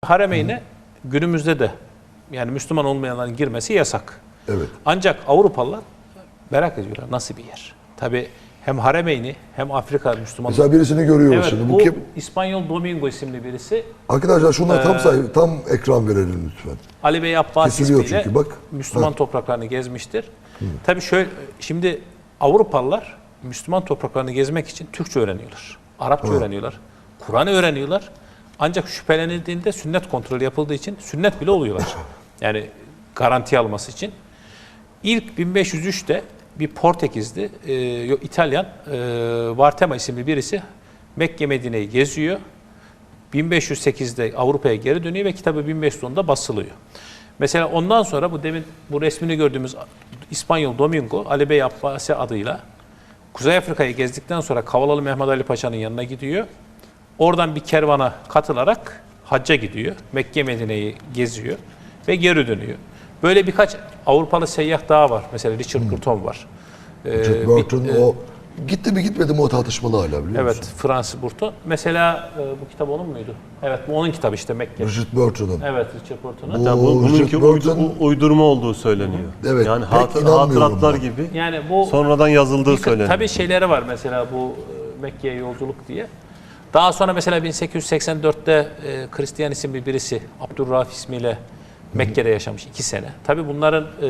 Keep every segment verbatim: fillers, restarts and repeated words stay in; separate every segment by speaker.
Speaker 1: Haremeyne Hı. günümüzde de yani Müslüman olmayanların girmesi yasak.
Speaker 2: Evet.
Speaker 1: Ancak Avrupalılar merak ediyorlar nasıl bir yer. Tabii hem Haremeyni hem Afrika Müslümanları.
Speaker 2: Mesela birisini görüyoruz
Speaker 1: evet,
Speaker 2: şimdi.
Speaker 1: Bu,
Speaker 2: bu kim?
Speaker 1: İspanyol Domingo isimli birisi.
Speaker 2: Arkadaşlar şunlar
Speaker 1: ee,
Speaker 2: tam sayı, tam ekran verelim lütfen.
Speaker 1: Ali Bey Abbas ismiyle
Speaker 2: çünkü, bak.
Speaker 1: Müslüman
Speaker 2: ha.
Speaker 1: topraklarını gezmiştir. Hı. Tabii şöyle, şimdi Avrupalılar Müslüman topraklarını gezmek için Türkçe öğreniyorlar. Arapça Hı. öğreniyorlar. Kur'an öğreniyorlar. Ancak şüphelenildiğinde sünnet kontrolü yapıldığı için sünnet bile oluyorlar. Yani garanti alması için. İlk bin beş yüz üçte bir Portekizli, e, yok İtalyan, e, Vartema isimli birisi Mekke Medine'yi geziyor. bin beş yüz sekizde Avrupa'ya geri dönüyor ve kitabı bin beş yüz onda basılıyor. Mesela ondan sonra bu demin bu resmini gördüğümüz İspanyol Domingo, Ali Bey Abbasi adıyla Kuzey Afrika'yı gezdikten sonra Kavalalı Mehmet Ali Paşa'nın yanına gidiyor. Oradan bir kervana katılarak hacca gidiyor. Mekke Medine'yi geziyor ve geri dönüyor. Böyle birkaç Avrupalı seyyah daha var. Mesela Richard hmm. Burton var.
Speaker 2: Richard Burton ee, o gitti mi gitmedi mi o tartışmalı hala biliyor musun?
Speaker 1: Evet, Fransız Burton. Mesela e, bu kitap onun muydu? Evet, bu onun kitabı işte Mekke.
Speaker 2: Richard Burton'un.
Speaker 1: Evet, Richard Burton'un.
Speaker 3: Bu, bu, bununki Burton, uydu, uydurma olduğu söyleniyor.
Speaker 2: Evet,
Speaker 3: yani hatır, hatıratlar ben. gibi
Speaker 1: yani bu
Speaker 3: sonradan yazıldığı
Speaker 1: bir,
Speaker 3: söyleniyor.
Speaker 1: Tabii şeyleri var mesela bu Mekke'ye yolculuk diye. Daha sonra mesela bin sekiz yüz seksen dörtte e, Hristiyan isimli birisi Abdurrahif ismiyle Mekke'de yaşamış iki sene. Tabii bunların e,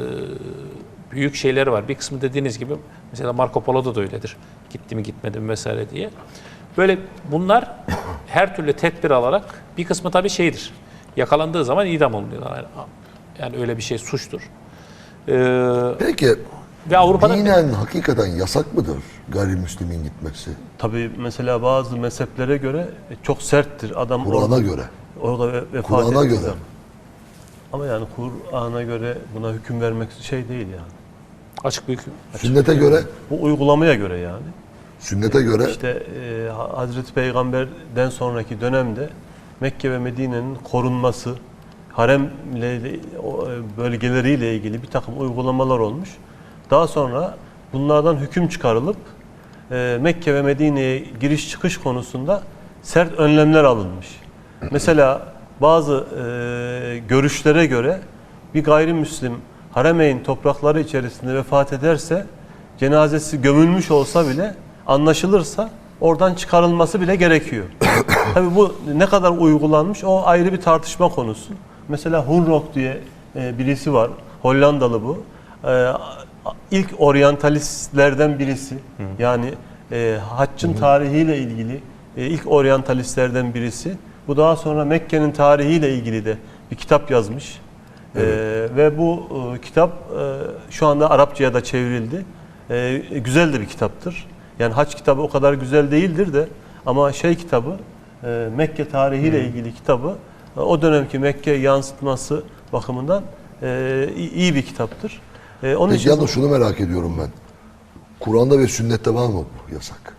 Speaker 1: büyük şeyleri var. Bir kısmı dediğiniz gibi mesela Marco Polo'da da öyledir. Gitti mi gitmedi mi vesaire diye. Böyle bunlar her türlü tedbir alarak bir kısmı tabii şeydir. Yakalandığı zaman idam oluyorlar. Yani, yani öyle bir şey suçtur. Ee,
Speaker 2: Peki
Speaker 1: ve Avrupa'da
Speaker 2: dinen hakikaten yasak mıdır gayrimüslimin gitmesi?
Speaker 3: Tabii mesela bazı mezheplere göre çok serttir. Adam
Speaker 2: Kur'an'a göre.
Speaker 3: Orada vefat
Speaker 2: Kur'an'a göre.
Speaker 3: Zaman. Ama yani Kur'an'a göre buna hüküm vermek şey değil yani.
Speaker 1: Açık bir hüküm.
Speaker 2: Sünnete göre?
Speaker 3: Bu uygulamaya göre yani.
Speaker 2: Sünnete göre?
Speaker 3: İşte e, Hazreti Peygamber'den sonraki dönemde Mekke ve Medine'nin korunması, haremle bölgeleriyle ilgili bir takım uygulamalar olmuş. Daha sonra bunlardan hüküm çıkarılıp e, Mekke ve Medine'ye giriş çıkış konusunda sert önlemler alınmış. Mesela bazı e, görüşlere göre bir gayrimüslim Haremeyn toprakları içerisinde vefat ederse, cenazesi gömülmüş olsa bile, anlaşılırsa oradan çıkarılması bile gerekiyor. Tabii bu ne kadar uygulanmış o ayrı bir tartışma konusu. Mesela Hunrok diye e, birisi var, Hollandalı bu. E, ilk oryantalistlerden birisi. Hı. Yani e, haccın Hı. tarihiyle ilgili e, ilk oryantalistlerden birisi. Bu daha sonra Mekke'nin tarihiyle ilgili de bir kitap yazmış. Evet. Ee, ve bu e, kitap e, şu anda Arapçaya da çevrildi. E, güzel de bir kitaptır. Yani hac kitabı o kadar güzel değildir de ama şey kitabı, e, Mekke tarihiyle hmm. ilgili kitabı, e, o dönemki Mekke yansıtması bakımından e, iyi bir kitaptır. E, onun
Speaker 2: Peki
Speaker 3: için
Speaker 2: yalnız şunu merak ediyorum ben. Kur'an'da ve sünnette var mı bu yasak?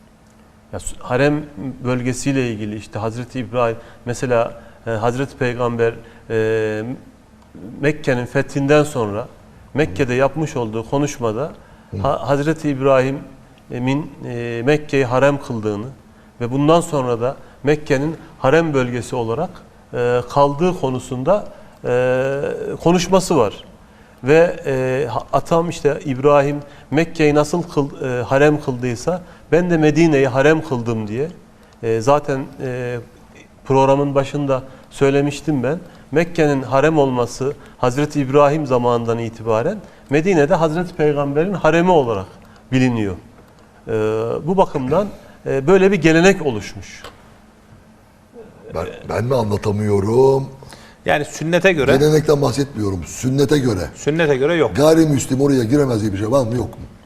Speaker 3: Ya, harem bölgesiyle ilgili işte Hazreti İbrahim mesela e, Hazreti Peygamber e, Mekke'nin fethinden sonra Mekke'de yapmış olduğu konuşmada ha, Hazreti İbrahim'in e, Mekke'yi harem kıldığını ve bundan sonra da Mekke'nin harem bölgesi olarak e, kaldığı konusunda e, konuşması var. Ve e, atam işte İbrahim Mekke'yi nasıl kıl, e, harem kıldıysa ben de Medine'yi harem kıldım diye e, zaten e, programın başında söylemiştim ben. Mekke'nin harem olması Hazreti İbrahim zamanından itibaren Medine'de Hazreti Peygamber'in haremi olarak biliniyor. E, bu bakımdan e, böyle bir gelenek oluşmuş.
Speaker 2: Ben, ben mi anlatamıyorum?
Speaker 1: Yani sünnete göre.
Speaker 2: Gelenekten bahsetmiyorum. Sünnete göre.
Speaker 1: Sünnete göre yok.
Speaker 2: Gayrimüslim oraya giremez diye bir şey var mı yok mu?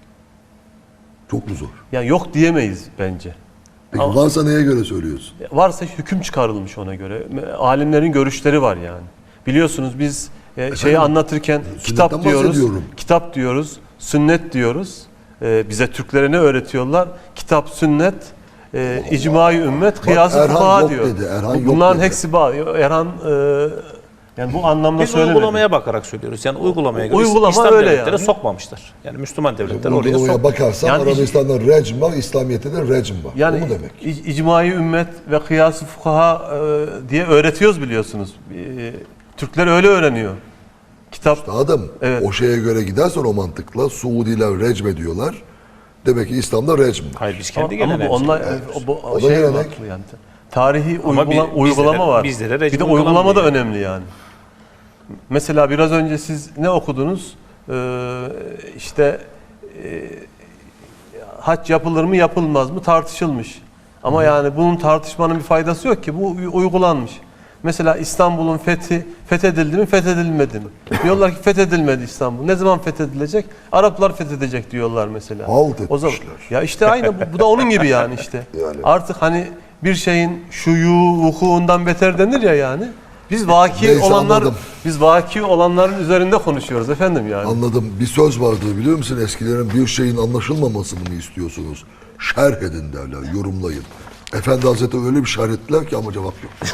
Speaker 2: Çok mu zor?
Speaker 3: Yani yok diyemeyiz bence.
Speaker 2: Peki ama varsa neye göre söylüyorsun?
Speaker 3: Varsa hüküm çıkarılmış ona göre. Alimlerin görüşleri var yani. Biliyorsunuz biz e, şeyi anlatırken kitap diyoruz, kitap diyoruz, sünnet diyoruz. E, bize Türklere ne öğretiyorlar? Kitap, sünnet, e, icma-i ümmet, kıyas-ı fukaha diyor.
Speaker 2: Dedi,
Speaker 3: Bunların hepsi bağlı. Erhan e, Yani bu anlamda
Speaker 1: Biz
Speaker 3: söylemedim.
Speaker 1: uygulamaya bakarak söylüyoruz. Yani uygulamaya göre
Speaker 3: Uygulama
Speaker 1: İslam
Speaker 3: öyle
Speaker 1: devletleri
Speaker 3: yani.
Speaker 1: sokmamışlar. Yani Müslüman devletler oraya
Speaker 2: Uygulamaya
Speaker 1: sok.
Speaker 2: bakarsan
Speaker 3: Yani-
Speaker 2: Arabistan'da recm var, İslamiyet'te de recm var.
Speaker 3: Yani
Speaker 2: o mu demek?
Speaker 3: ic- icmai ümmet ve kıyas-ı fukaha e, diye öğretiyoruz biliyorsunuz. E, Türkler öyle öğreniyor. Kitap
Speaker 2: Adam
Speaker 3: Evet.
Speaker 2: o şeye göre gidersen o mantıkla Suudiler recm ediyorlar. Demek ki İslam'da recm var.
Speaker 1: Hayır biz
Speaker 3: ama,
Speaker 1: kendi
Speaker 3: ama bu
Speaker 1: geleneğimiz.
Speaker 3: onlar o, bu,
Speaker 2: O da
Speaker 3: şey
Speaker 2: gelenek.
Speaker 3: farklı yani. Tarihi
Speaker 1: Ama
Speaker 3: uygula-
Speaker 1: bi-
Speaker 3: uygulama
Speaker 1: bizlere-
Speaker 3: var.
Speaker 1: bizlere
Speaker 3: Bir de
Speaker 1: rejim
Speaker 3: uygulama da
Speaker 1: uygulanmıyor.
Speaker 3: önemli yani. Mesela biraz önce siz ne okudunuz? Ee, işte e, hac yapılır mı yapılmaz mı tartışılmış. Ama yani bunun tartışmanın bir faydası yok ki. Bu uygulanmış. Mesela İstanbul'un fethi fethedildi mi fethedilmedi mi? Diyorlar ki fethedilmedi İstanbul. Ne zaman fethedilecek? Araplar fethedecek diyorlar mesela.
Speaker 2: Halt
Speaker 3: O zaman
Speaker 2: etmişler.
Speaker 3: ya işte aynı bu, bu da onun gibi yani işte.
Speaker 2: Yani.
Speaker 3: Artık hani bir şeyin şuyu vukuundan beter denir ya yani. Biz vaki
Speaker 2: Neyse,
Speaker 3: olanlar
Speaker 2: anladım.
Speaker 3: biz vaki olanların üzerinde konuşuyoruz efendim yani.
Speaker 2: Anladım. Bir söz vardı biliyor musun? Eskilerin bir şeyin anlaşılmamasını mı istiyorsunuz? Şerh edin derler, yorumlayın. Efendi Hazretleri öyle bir şerh ettiler ki ama cevap yok.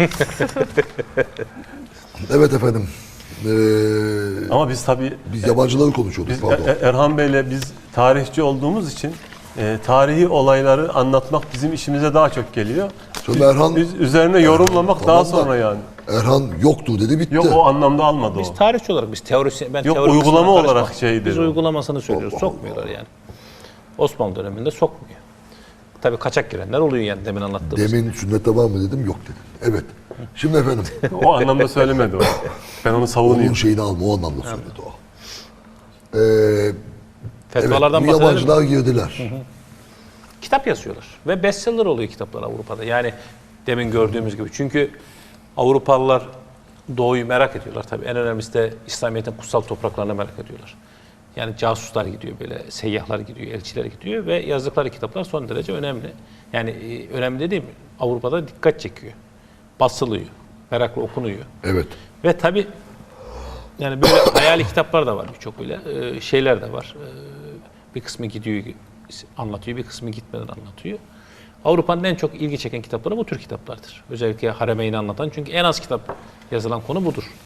Speaker 2: Evet efendim. Ee,
Speaker 3: Ama biz tabii
Speaker 2: biz yabancıları konuşuyorduk.
Speaker 3: biz
Speaker 2: Pardon.
Speaker 3: Er- Erhan Bey'le biz tarihçi olduğumuz için e, tarihi olayları anlatmak bizim işimize daha çok geliyor.
Speaker 2: Şimdi
Speaker 3: Biz-
Speaker 2: Erhan-
Speaker 3: biz üzerine yorumlamak
Speaker 2: Erhan-
Speaker 3: daha
Speaker 2: tamam da-
Speaker 3: sonra yani.
Speaker 2: Erhan yoktu dedi bitti.
Speaker 3: Yok o anlamda almadı
Speaker 1: Biz
Speaker 3: o.
Speaker 1: tarihçi olarak biz teorisyen ben
Speaker 3: Yok,
Speaker 1: teori
Speaker 3: uygulama
Speaker 1: kısmına karışmam.
Speaker 3: olarak şey
Speaker 1: Biz
Speaker 3: dedi o.
Speaker 1: uygulamasını söylüyoruz. Sokmuyorlar yani. Osmanlı döneminde sokmuyor. Tabii kaçak girenler oluyor yani demin anlattığımız.
Speaker 2: Demin sünnette var mı dedim yok dedi. Evet. Şimdi efendim
Speaker 3: O anlamda söylemedi o. Ben onu
Speaker 2: onun
Speaker 3: savunayım.
Speaker 2: şeyini alma o anlamda söyledi o. Ee, evet,
Speaker 1: Fetvalardan
Speaker 2: bu
Speaker 1: bahsedelim. mi?
Speaker 2: yabancılar girdiler.
Speaker 1: Kitap yazıyorlar ve bestseller oluyor kitaplar Avrupa'da. Yani demin gördüğümüz gibi. Çünkü Avrupalılar Doğu'yu merak ediyorlar tabii. En önemlisi de İslamiyet'in kutsal topraklarını merak ediyorlar. Yani casuslar gidiyor böyle, seyyahlar gidiyor, elçiler gidiyor ve yazdıkları kitaplar son derece önemli. Yani e, önemli dediğim Avrupa'da dikkat çekiyor. Basılıyor, merakla okunuyor.
Speaker 2: Evet.
Speaker 1: Ve tabii yani böyle hayali kitaplar da var birçok böyle e, şeyler de var. E, bir kısmı gidiyor anlatıyor, bir kısmı gitmeden anlatıyor. Avrupa'nın en çok ilgi çeken kitapları bu tür kitaplardır. Özellikle Haremeyn'i anlatan çünkü en az kitap yazılan konu budur.